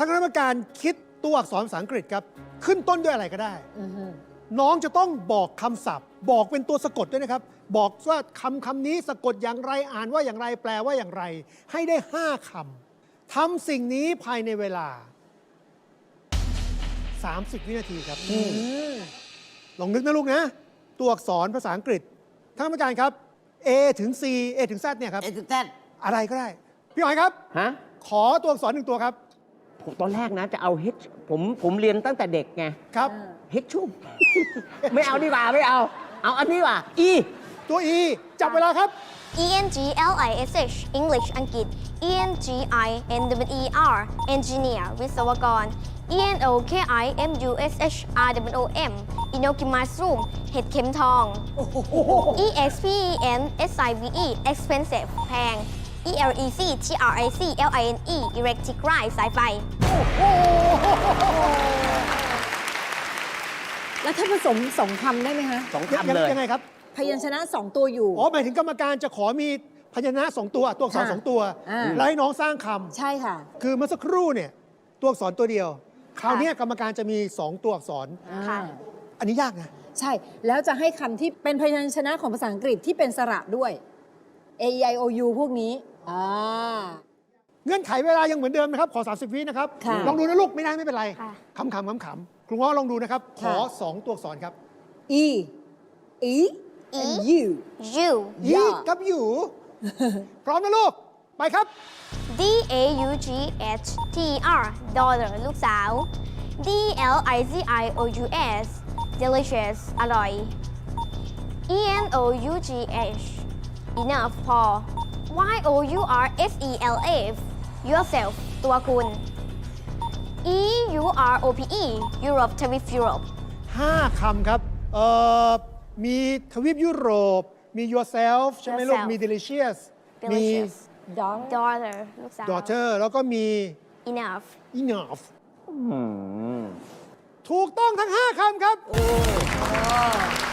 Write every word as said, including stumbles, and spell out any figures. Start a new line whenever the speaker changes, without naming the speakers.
ทางคณะกรรมการคิดตัวอักษรภาษาอังกฤษครับขึ้นต้นด้วยอะไรก็ได้น้องจะต้องบอกคำศัพท์ บอกเป็นตัวสะกดด้วยนะครับ บอกว่าคำคำนี้สะกดอย่างไรอ่านว่าอย่างไรแปลว่าอย่างไร ให้ได้ห้าคำทำสิ่งนี้ภายในเวลาสามสิบวินาทีครับลองนึกนะลูกนะ ตัวอักษรภาษาอังกฤษท่านกรรมการครับ A ถึง C A ถึง Z เนี่ยครับ
เอถึงแซด
อะไรก็ได้ พี่หอยครับ
ฮะ
ขอตัวอักษรหนึ่งตัวครับ
ผมตอนแรกนะจะเอา H ผมผมเรียนตั้งแต่เด็กไง
ครับ
H ชุ่ม ไม่เอาดีกว่าไม่เอา เอาอันนี้ว่ะ E
ตัว E จับเวลาครับ
E N G L I S H English อังกฤษ E N G I N W E R Engineer วิศวกร E N O K I M U S H R W O M Inoki Mushroom เห็ดเข็มทอง E X P E N S I V E Expensive แพง E L E C T R I C L I N E Electric Line สายไฟ
แล้วถ้าผสมสองคำได้ไหมคะ
สอง
ยัง
คำเลย
ยังไงครับ
พยัญชนะสองตัวอยู่
อ๋อ หมายถึงกรรมการจะขอมีพยัญชนะสองตัว ตัวอักษร
ค่ะ
สองตัว
อ่า
แล้วให้น้องสร้างค
ใช่ค่ะ
ำคือเมื่อสักครู่เนี่ยตัวอักษรตัวเดียว คราวเนี้ยกรรมการจะมีสองตัวอักษร
ค่ะ
อันนี้ยากนะ
ใช่ แล้วจะให้คำที่เป็นพยัญชนะของภาษาอังกฤษที่เป็นสระด้วย A E I O U พวกนี้อ่า
เงื่อนไขเวลายังเหมือนเดิมนะครับ ขอ สามสิบ วินะครับ
ค่ะ
ลองดูนะลูก ไม่ได้ไม่เป็นไร
ค่ะ
ขำๆขำๆครูง้อลองดูนะครับ ขอ
ค่ะ
สองตัวอักษรครับ
E E
E
and U
U
ยี
ย่า
กับอยู่ พร้อมนะลูก ไปครับ
D A U G H T R Daughter ลูกสาว D L I Z I O U S Delicious อร่อย E N O U G H Enough พอ Y O U R S E L F Yourself ตัวคุณ E U R O P E Europe ทวีปยุโรป
ห้าคำครับ เอ่อ มีทวีปยุโรป มี yourself ใช่ไหมลูก
Yourself
มี delicious มี
Delicious
Daughter
Daughter ลูกสาว
daughter แล้วก็มี
Enough
enough
อืม
ถูกต้องทั้งห้าคำครับ
โอ้